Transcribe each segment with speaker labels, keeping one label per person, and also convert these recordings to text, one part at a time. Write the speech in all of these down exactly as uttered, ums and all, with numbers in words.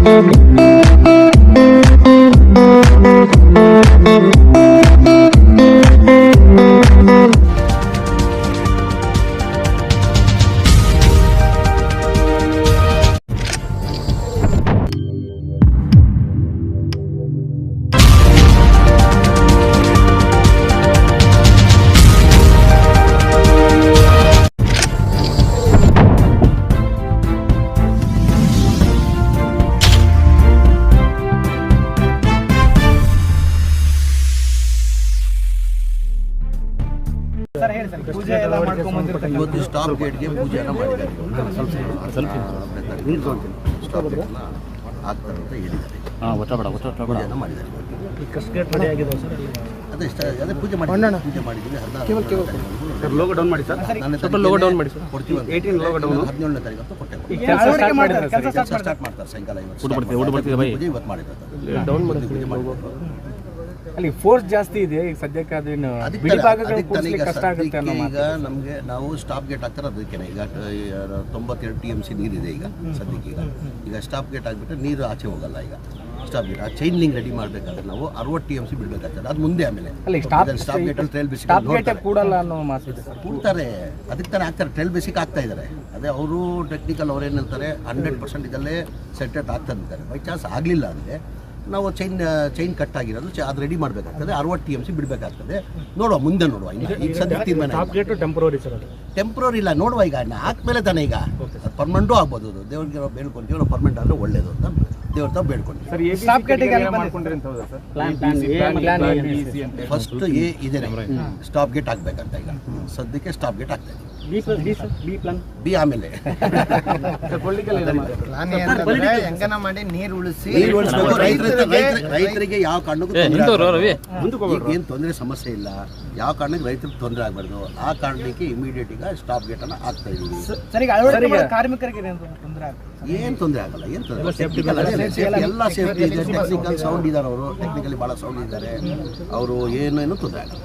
Speaker 1: ಇವತ್ತು ಸ್ಟಾಪ್ ಗೇಟ್ಗೆ ಪೂಜೆಯನ್ನು ಮಾಡಿದ್ದಾರೆ. ಸ್ಟಾಪ್ ಗೇಟ್ ಆಗ್ತಾರೆ ಅಂತ ಹೇಳಿದ್ದಾರೆ. ಪೂಜೆಯನ್ನು ಮಾಡಿದ್ದಾರೆ. ಅದೇ ಇಷ್ಟ ಅದೇ ಪೂಜೆ ಮಾಡಿ ಪೂಜೆ ಮಾಡಿದ್ದೀವಿ. ಹದಿನಾರು
Speaker 2: ಲೋಗೋ ಡೌನ್ ಮಾಡಿ ಸರ್. ಲೋಗೋ ಡೌನ್ ಮಾಡಿ ಸರ್. ಕೊಡ್ತೀವಿ
Speaker 1: ಹದಿನೇಳನೇ ತಾರೀಕು ಅಂತ ಕೊಟ್ಟೆ. ಕೆಲಸ ಸ್ಟಾರ್ಟ್ ಮಾಡ್ತಾರೆ ಸಾಯಂಕಾಲ. ಇವತ್ತು ಇವತ್ತು ಮಾಡಿದ್ದಾರೆ. ಡೌನ್ ಮಾಡಿ ಪೂಜೆ ಮಾಡಿದ್ದಾರೆ.
Speaker 2: ಅಲ್ಲಿ ಫೋರ್ಸ್ ಜಾಸ್ತಿ ಇದೆ ಈಗ ಸದ್ಯಕ್ಕೆ. ಅದೇನು ಬಿಡಿ ಭಾಗಗಳು ಕಷ್ಟ ಆಗುತ್ತೆ ಅನ್ನೋ
Speaker 1: ಈಗ ನಮಗೆ ನಾವು ಸ್ಟಾಪ್ ಗೇಟ್ ಹಾಕ್ತಾರೆ. ಅದಕ್ಕೆ ಈಗ ತೊಂಬತ್ತೆರಡು ಟಿ ಎಮ್ ಸಿ ನೀರಿದೆ ಈಗ ಸದ್ಯಕ್ಕೆ. ಈಗ ಈಗ ಸ್ಟಾಪ್ ಗೇಟ್ ಆಗಿಬಿಟ್ರೆ ನೀರು ಆಚೆ ಹೋಗಲ್ಲ. ಈಗ ಸ್ಟಾಪ್ ಗೇಟ್ ಆ ಚೈನ್ ಲಿಂಕ್ ರೆಡಿ ಮಾಡಬೇಕಾದ್ರೆ ನಾವು ಅರವತ್ತು ಟಿ ಎಮ್ ಸಿ ಬಿಡಬೇಕಾಗ್ತದೆ. ಅದು ಮುಂದೆ ಆಮೇಲೆ ಸ್ಟಾಪ್ ಗೇಟ್ ಅಲ್ಲಿ ಟ್ರೈಲ್ ಬೇಸಿಕ್
Speaker 2: ಕೂಡಲ್ಲ ಅನ್ನೋ ಮಾತು
Speaker 1: ಕೂಡ್ತಾರೆ. ಅದಕ್ಕೆ ತಾನೇ ಆಗ್ತಾರೆ. ಟ್ರೈಲ್ ಬೇಸಿಕ್ ಆಗ್ತಾ ಇದ್ದಾರೆ. ಅದೇ ಅವರು ಟೆಕ್ನಿಕಲ್ ಅವ್ರು ಏನು ಹೇಳ್ತಾರೆ, ಹಂಡ್ರೆಡ್ ಪರ್ಸೆಂಟ್ ಇದಲ್ಲೇ ಸೆಟೆಟ್ ಆಗ್ತಾ ಇರ್ತಾರೆ. ಬೈ ಚಾನ್ಸ್ ಆಗಲಿಲ್ಲ ಅಂದರೆ ನಾವು ಚೈನ್ ಚೈನ್ ಕಟ್ ಆಗಿರೋದು ಅದು ರೆಡಿ ಮಾಡಬೇಕಾಗ್ತದೆ. ಅರವತ್ತು ಟಿ ಎಮ್ ಸಿ ಬಿಡಬೇಕಾಗ್ತದೆ. ನೋಡುವ ಮುಂದೆ ನೋಡುವ. ಈಗ ಸದ್ಯ ತೀರ್ಮಾನ
Speaker 2: ಟೆಂಪ್ರರಿ ಸರ್. ಅದು
Speaker 1: ಟೆಂಪ್ರರಿ ಇಲ್ಲ, ನೋಡುವ. ಈಗ ಹಾಕ್ಮೇಲೆ ತಾನೇ ಈಗ ಪರ್ಮನೆಂಟು ಆಗ್ಬೋದು. ಅದು ದೇವ್ರಿಗೆ ನಾವು ಬೇಡ್ಕೊಂತೀವಿ. ನಾವು ಪರ್ಮನೆಂಟ್ ಆದರೆ ಒಳ್ಳೇದು ಅಂತ ದೇವ್ರ ತಾವು ಬೇಡ್ಕೊಂತೀವಿ. ಫಸ್ಟ್ ಎ ಇದೆ ಸ್ಟಾಪ್ ಗೇಟ್ ಆಗ್ಬೇಕಂತ. ಈಗ ಸದ್ಯಕ್ಕೆ ಸ್ಟಾಪ್ ಗೇಟ್ ಆಗ್ತಾ ಇದೆ. ಬಿ ಆಮೇಲೆ
Speaker 3: ಮಾಡಿ ನೀರು ಉಳಿಸಿ
Speaker 1: ರೈತರಿಗೆ ಯಾವ ಕಾರಣಕ್ಕೂ ಏನು ತೊಂದರೆ ಸಮಸ್ಯೆ ಇಲ್ಲ. ಯಾವ ಕಾರಣಕ್ಕೆ ರೈತರಿಗೆ ತೊಂದರೆ ಆಗಬಾರ್ದು. ಆ ಕಾರಣಕ್ಕೆ ಇಮಿಡಿಯೇಟ್ ಈಗ ಸ್ಟಾಪ್ ಗೇಟ್ ಅನ್ನ ಹಾಕ್ತಾ ಇದೀವಿ.
Speaker 3: ಕಾರ್ಮಿಕರಿಗೆ
Speaker 1: ಏನು ತೊಂದರೆ ಆಗಲ್ಲ. ಏನು ತೊಂದರೆ ಎಲ್ಲ ಸೇಫ್ಟಿ ಇದೆ. ಟೆಕ್ನಿಕಲ್ ಸೌಂಡ್ ಇದ್ದಾರೆ. ಅವರು ಟೆಕ್ನಿಕಲಿ ಬಹಳ ಸೌಂಡ್ ಇದ್ದಾರೆ. ಅವರು ಏನೇನು ತೊಂದರೆ ಆಗಲ್ಲ.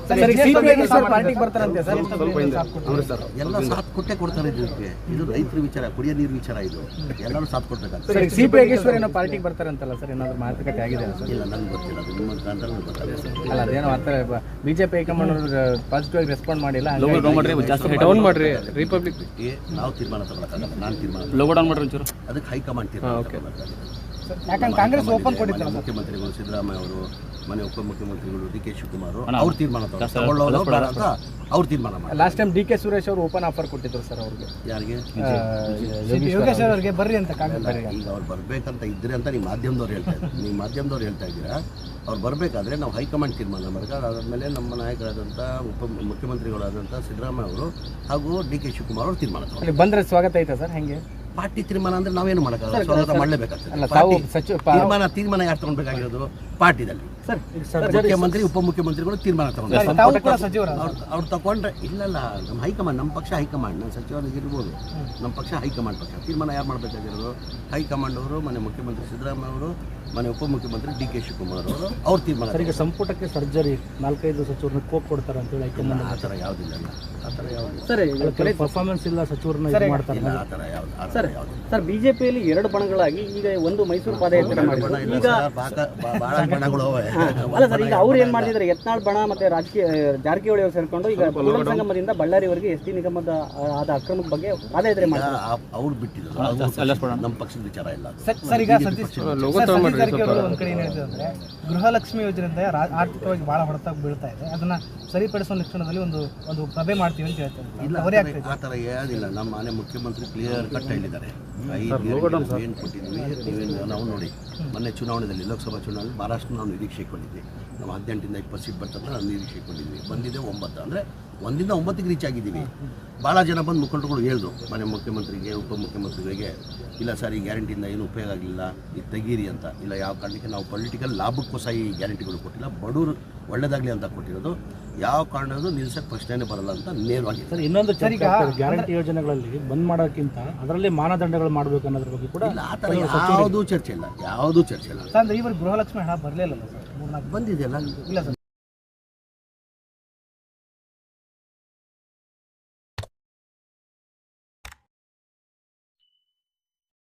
Speaker 1: ಎಲ್ಲ ಸಾಥ್ ಕೊಟ್ಟೆ ಕೊಡ್ತಾರೆ. ಇದಕ್ಕೆ ಇದು ರೈತರ ವಿಚಾರ, ಕುಡಿಯೋ ನೀರು ವಿಚಾರ. ಇದು ಎಲ್ಲರೂ ಸಾಥ್ ಕೊಡ್ಬೇಕಾಗ್ತದೆ.
Speaker 2: ಪಾರ್ಟಿಗೆ ಬರ್ತಾರೆ ಅಂತಲ್ಲ ಸರ್, ಏನಾದ್ರು ಮಾತುಕತೆ ಆಗಿದೆ
Speaker 1: ಇಲ್ಲ ನಂಗೆ ಗೊತ್ತಿಲ್ಲ. ಅದು ನಿಮ್ಮ ಕಾಂಟ್ರಲ್ಲಿ ಗೊತ್ತಾಗಲ್ಲ.
Speaker 2: ಅಲ್ಲ ಅದೇನೋ ಆ ಬಿಜೆಪಿ ಹೈಕಮಾಂಡ್ ಪಾಸಿಟಿವ್ ಆಗಿ ರೆಸ್ಪಾಂಡ್ ಮಾಡಿಲ್ಲ. ರಿಪಬ್ಲಿಕ್
Speaker 1: ನಾವು ತೀರ್ಮಾನ ತಗೊಳಕ್ಕಾಗಲ್ಲ. ನಾನು ತೀರ್ಮಾನ
Speaker 2: ಲೋಗೋ ಡೌನ್ ಮಾಡ್ರಿ ಒಂಚೂರು.
Speaker 1: ಅದಕ್ಕೆ ಹೈಕಮಾಂಡ್ ತೀರ್ಮಾನ.
Speaker 3: ಯಾಕಂದ್ರೆ ಕಾಂಗ್ರೆಸ್ ಓಪನ್ ಕೊಟ್ಟಿದ್ದಾರೆ.
Speaker 1: ಮುಖ್ಯಮಂತ್ರಿಗಳು ಸಿದ್ದರಾಮಯ್ಯ ಅವರು, ಮನೆ ಉಪಮುಖ್ಯಮಂತ್ರಿಗಳು ಡಿ ಕೆ ಶಿವಕುಮಾರ್ ಅವ್ರು ತೀರ್ಮಾನ ತಗೊಳ್ಳೋದು ಅಂತ ಅವ್ರು ತೀರ್ಮಾನ ಮಾಡಿ.
Speaker 2: Last time D K Suresh ಅವರು ಓಪನ್ ಆಫರ್ ಕೊಟ್ಟಿದ್ರು ಸರ್ ಅವ್ರಿಗೆ.
Speaker 1: ಯಾರಿಗೆ?
Speaker 3: ಯೋಗೇಶ್ ಅವರಿಗೆ ಬರ್ರಿ ಅಂತ.
Speaker 1: ಈಗ ಅವ್ರು ಬರ್ಬೇಕಂತ ಇದ್ರೆ ಅಂತ ನೀವು ಮಾಧ್ಯಮದವ್ರು ಹೇಳ್ತಾ ಇದ್ದೀರಾ. ನೀವು ಮಾಧ್ಯಮದವ್ರು ಹೇಳ್ತಾ ಇದ್ದೀರಾ. ಅವ್ರು ಬರಬೇಕಾದ್ರೆ ನಾವು ಹೈಕಮಾಂಡ್ ತೀರ್ಮಾನ ಮಾಡಬೇಕು. ಅದಾದಮೇಲೆ ನಮ್ಮ ನಾಯಕರಾದಂಥ ಉಪ ಮುಖ್ಯಮಂತ್ರಿಗಳಾದಂಥ ಸಿದ್ದರಾಮಯ್ಯ ಅವರು ಹಾಗೂ ಡಿ ಕೆ ಶಿವಕುಮಾರ್ ಅವರು ತೀರ್ಮಾನ ತಗೊಂಡು
Speaker 2: ಬಂದರೆ ಸ್ವಾಗತ ಐತೆ ಸರ್. ಹೆಂಗೆ
Speaker 1: ಪಾರ್ಟಿ ತೀರ್ಮಾನ ಅಂದ್ರೆ ನಾವೇನು ಮಾಡೋಕ್ಕಾಗಲ್ಲ. ಸ್ವಾಗತ ಮಾಡಲೇಬೇಕಾಗ್ತದೆ. ತೀರ್ಮಾನ ತೀರ್ಮಾನ ಯಾರು ತಗೊಳ್ಬೇಕಾಗಿರೋದು? ಪಾರ್ಟಿದಲ್ಲಿ ಮುಖ್ಯಮಂತ್ರಿ ಉಪಮುಖ್ಯಮಂತ್ರಿಗಳು ತೀರ್ಮಾನ ತಗೊಂಡ್ರೆ ಅವ್ರು ತಗೊಂಡ್ರೆ ಇಲ್ಲಲ್ಲ. ನಮ್ಮ ಹೈಕಮಾಂಡ್, ನಮ್ಮ ಪಕ್ಷ ಹೈಕಮಾಂಡ್. ನಮ್ಮ ಸಚಿವರಿಗಿರ್ಬೋದು, ನಮ್ಮ ಪಕ್ಷ ಹೈಕಮಾಂಡ್ ಪಕ್ಷ. ತೀರ್ಮಾನ ಯಾರು ಮಾಡಬೇಕಾಗಿರೋದು? ಹೈಕಮಾಂಡ್ ಅವರು, ಮನೆ ಮುಖ್ಯಮಂತ್ರಿ ಸಿದ್ದರಾಮಯ್ಯ ಅವರು, ಮನೆ ಉಪಮುಖ್ಯಮಂತ್ರಿ ಡಿ ಕೆ ಶಿವಕುಮಾರ್ ಅವರು ಅವ್ರ ತೀರ್ಮಾನ.
Speaker 2: ಈಗ ಸಂಪುಟಕ್ಕೆ ಸರ್ಜರಿ ನಾಲ್ಕೈದು ಸಚಿವರನ್ನ ಕೋಪ್ ಕೊಡ್ತಾರೆ ಅಂತ ಹೇಳಿ ಹೈಕಮಾಂಡ್.
Speaker 1: ಆ ಥರ ಯಾವುದಿಲ್ಲ. ಆ ಥರ ಯಾವುದು
Speaker 2: ಸರ್ ಪರ್ಫಾರ್ಮೆನ್ಸ್ ಇಲ್ಲ ಸಚಿವರನ್ನ ಮಾಡ್ತಾರೆ.
Speaker 1: ಆ ಥರ ಯಾವುದು
Speaker 4: ಸರ್ ಸರ್ ಬಿಜೆಪಿಯಲ್ಲಿ ಎರಡು ಬಣಗಳಾಗಿ ಈಗ ಒಂದು ಮೈಸೂರು ಪಾದಯಾತ್ರೆ ಮಾಡಿದ್ರು. ಈಗ
Speaker 1: ಭಾಳ ಬಣಗಳು
Speaker 4: ಅಲ್ಲ ಸರ್, ಈಗ ಅವ್ರು ಏನ್ ಮಾಡ್ತಿದ್ದಾರೆ, ಯತ್ನಾಳ್ ಬಣ ಮತ್ತೆ ರಾಜಕೀಯ ಜಾರಕಿಹೊಳಿ ಅವರು ಸೇರ್ಕೊಂಡು ಈಗ ಕೂಡಲ ಸಂಗಮದಿಂದ ಬಳ್ಳಾರಿವರೆಗೆ ಎಸ್ ಟಿ ನಿಗಮದ ಆದ ಅಕ್ರಮದ ಬಗ್ಗೆ ಪಾದಯಾತ್ರೆ ಮಾಡ್ತಾರೆ.
Speaker 1: ಅವ್ರು ಬಿಟ್ಟಿದ್ರು. ನಮ್ಮ ಪಕ್ಷದ ವಿಚಾರ ಇಲ್ಲ.
Speaker 3: ಸರ್ ಈಗ ಸತೀಶ್ ಜಾರಕಿಹೊಳಿ ಒಂದ್ ಕಡೆ ಏನ್ ಹೇಳ್ತಿದೆ ಅಂದ್ರೆ, ಗೃಹಲಕ್ಷ್ಮಿ ಯೋಜನೆಯಿಂದ ಆರ್ಥಿಕವಾಗಿ ಬಹಳ ಹೊಡೆತ ಬೀಳ್ತಾ ಇದೆ. ಅದನ್ನ ಸರಿಪಡಿಸುವ ಲಕ್ಷಣದಲ್ಲಿ ಒಂದು ಒಂದು ಸಭೆ ಮಾಡ್ತೀವಿ ಅಂತ ಹೇಳ್ತಾರೆ.
Speaker 1: ಇಲ್ಲ, ಆ ಥರ ಏನಿಲ್ಲ. ನಮ್ಮ ಮನೆ ಮುಖ್ಯಮಂತ್ರಿ ಕ್ಲಿಯರ್ ಕಟ್ ಹೇಳಿದ್ದಾರೆ. ಏನು ಕೊಟ್ಟಿದ್ವಿ ನೀವೇನು ನಾವು ನೋಡಿ. ಮೊನ್ನೆ ಚುನಾವಣೆಯಲ್ಲಿ, ಲೋಕಸಭಾ ಚುನಾವಣೆಯಲ್ಲಿ ಮಹಾರಾಷ್ಟ್ರ ನಾವು ನಿರೀಕ್ಷೆ ಕೊಟ್ಟಿದ್ವಿ. ನಾವು ಹದಿನೆಂಟರಿಂದ ಇಪ್ಪತ್ತು ಸೀಟ್ ಬರ್ತಂತ ನಾವು ನಿರೀಕ್ಷೆ ಕೊಟ್ಟಿದ್ವಿ. ಬಂದಿದೆ ಒಂಬತ್ತು. ಅಂದರೆ ಒಂದಿಂದ ಒಂಬತ್ತಿಗೆ ರೀಚ್ ಆಗಿದ್ದೀವಿ. ಭಾಳ ಜನ ಬಂದು ಮುಖಂಡರುಗಳು ಹೇಳಿದ್ರು ಮನೆ ಮುಖ್ಯಮಂತ್ರಿಗೆ, ಉಪಮುಖ್ಯಮಂತ್ರಿಗಳಿಗೆ, ಇಲ್ಲ ಸರ್ ಈ ಗ್ಯಾರಂಟಿಯಿಂದ ಏನು ಉಪಯೋಗ ಆಗಲಿಲ್ಲ, ಇದು ತೆಗೀರಿ ಅಂತ. ಇಲ್ಲ, ಯಾವ ಕಾರಣಕ್ಕೆ ನಾವು ಪೊಲಿಟಿಕಲ್ ಲಾಭಕ್ಕೋಸ್ಕರ ಈ ಗ್ಯಾರಂಟಿಗಳು ಕೊಟ್ಟಿಲ್ಲ, ಬಡವರು ಒಳ್ಳೇದಾಗಲಿ ಅಂತ ಕೊಟ್ಟಿರೋದು. ಯಾವ ಕಾರಣದ್ದು ನಿಲ್ಸಕ್ಕೆ ಪ್ರಶ್ನೆನೇ ಬರಲ್ಲ ಅಂತ ನೇರವಾಗಿ.
Speaker 2: ಸರ್ ಇನ್ನೊಂದು ಗ್ಯಾರಂಟಿ ಯೋಜನೆಗಳಲ್ಲಿ ಬಂದ್ ಮಾಡೋಕ್ಕಿಂತ ಅದರಲ್ಲಿ ಮಾನದಂಡಗಳು ಮಾಡಬೇಕು ಅನ್ನೋದ್ರ ಬಗ್ಗೆ ಕೂಡ
Speaker 1: ಇಲ್ಲ. ಆ ಥರ ಯಾವುದೂ ಚರ್ಚೆ ಇಲ್ಲ. ಯಾವುದೂ ಚರ್ಚೆ ಇಲ್ಲ.
Speaker 3: ಅಂದ್ರೆ ಇವರು ಗೃಹಲಕ್ಷ್ಮಿ ಹಣ ಬರಲಿಲ್ಲ ಸರ್.
Speaker 1: ಬಂದಿದೆಯಲ್ಲ.
Speaker 3: ಇಲ್ಲ ಸರ್.